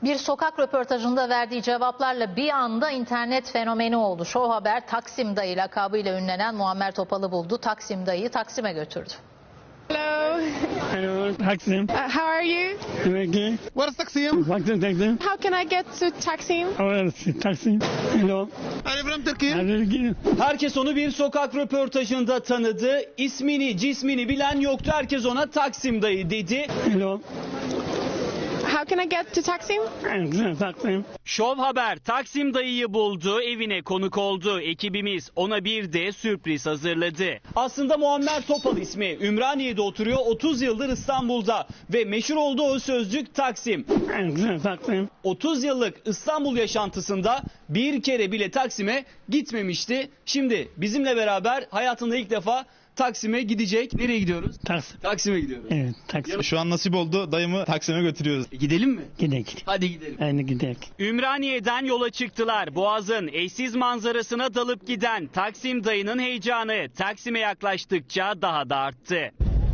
Bir sokak röportajında verdiği cevaplarla bir anda internet fenomeni oldu. Show Haber Taksim Dayı lakabıyla ünlenen Muammer Topal'ı buldu. Taksim Dayı'yı Taksim'e götürdü. Hello. Hello, Taksim. How are you? Okay. Where is Taksim? Taksim, Taksim. How can I get to Taksim? Where is Taksim? Hello. I'm from Turkey. Herkes onu bir sokak röportajında tanıdı. İsmini, cismini bilen yoktu. Herkes ona Taksim Dayı dedi. Hello. How can I get to Taksim? Taksim. Şov Haber Taksim Dayı'yı buldu, evine konuk oldu. Ekibimiz ona bir de sürpriz hazırladı. Aslında Muammer Topal ismi. Ümraniye'de oturuyor, 30 yıldır İstanbul'da. Ve meşhur olduğu o sözcük Taksim. Taksim. 30 yıllık İstanbul yaşantısında bir kere bile Taksim'e gitmemişti. Şimdi bizimle beraber hayatında ilk defa Taksim'e gidecek. Nereye gidiyoruz? Taksim. Taksim'e gidiyoruz. Evet, Taksim. Şu an nasip oldu. Dayımı Taksim'e götürüyoruz. Gidelim mi? Gidelim. Hadi gidelim. Aynı gidelim. Ümraniye'den yola çıktılar. Boğaz'ın eşsiz manzarasına dalıp giden Taksim Dayı'nın heyecanı Taksim'e yaklaştıkça daha da arttı.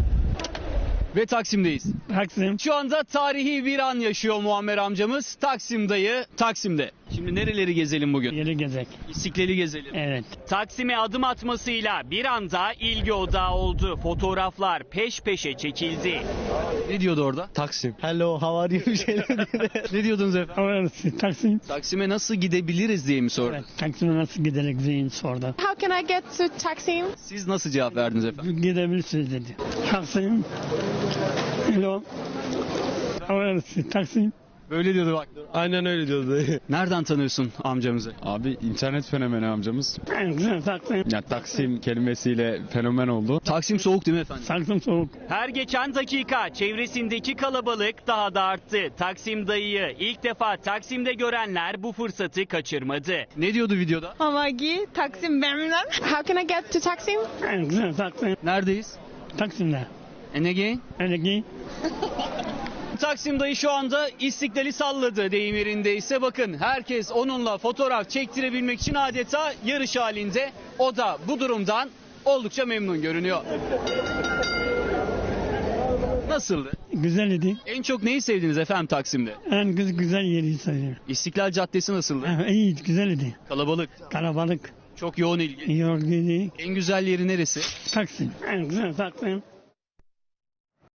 Ve Taksim'deyiz. Taksim. Şu anda tarihi bir an yaşıyor Muammer amcamız. Taksim Dayı Taksim'de. Şimdi nereleri gezelim bugün? Yeri gezek. İstiklal'i gezelim. Evet. Taksim'e adım atmasıyla bir anda ilgi odağı oldu. Fotoğraflar peş peşe çekildi. Ne diyordu orada? Taksim. Hello, how are you? Bir şeyler Ne diyordunuz efendim? Where is Taksim? Taksim'e nasıl gidebiliriz diye mi sordu? Evet, Taksim'e nasıl giderek zihin sordu. How can I get to Taksim? Siz nasıl cevap verdiniz efendim? Gidebilirsiniz dedi. Taksim. Hello. Where is Taksim? Böyle diyordu bak. Aynen öyle diyordu. Nereden tanıyorsun amcamızı? Abi internet fenomeni amcamız. Taksim. Ya Taksim kelimesiyle fenomen oldu. Taksim soğuk değil mi efendim? Taksim soğuk. Her geçen dakika çevresindeki kalabalık daha da arttı. Taksim Dayı'yı ilk defa Taksim'de görenler bu fırsatı kaçırmadı. Ne diyordu videoda? Hamagi, Taksim memnun. How can I get to Taksim? Taksim. Neredeyiz? Taksim'de. And again? Öyle ki. Taksim Dayı şu anda İstiklal'i salladı deyim yerindeyse. Bakın herkes onunla fotoğraf çektirebilmek için adeta yarış halinde. O da bu durumdan oldukça memnun görünüyor. Nasıldı? Güzel idi. En çok neyi sevdiniz efendim Taksim'de? En güzel yeri sayılır. İstiklal Caddesi nasıldı? İyi, güzel idi. Kalabalık, Kalabalık. çok yoğun ilgi. Yorgun. En güzel yeri neresi? Taksim. Taksim.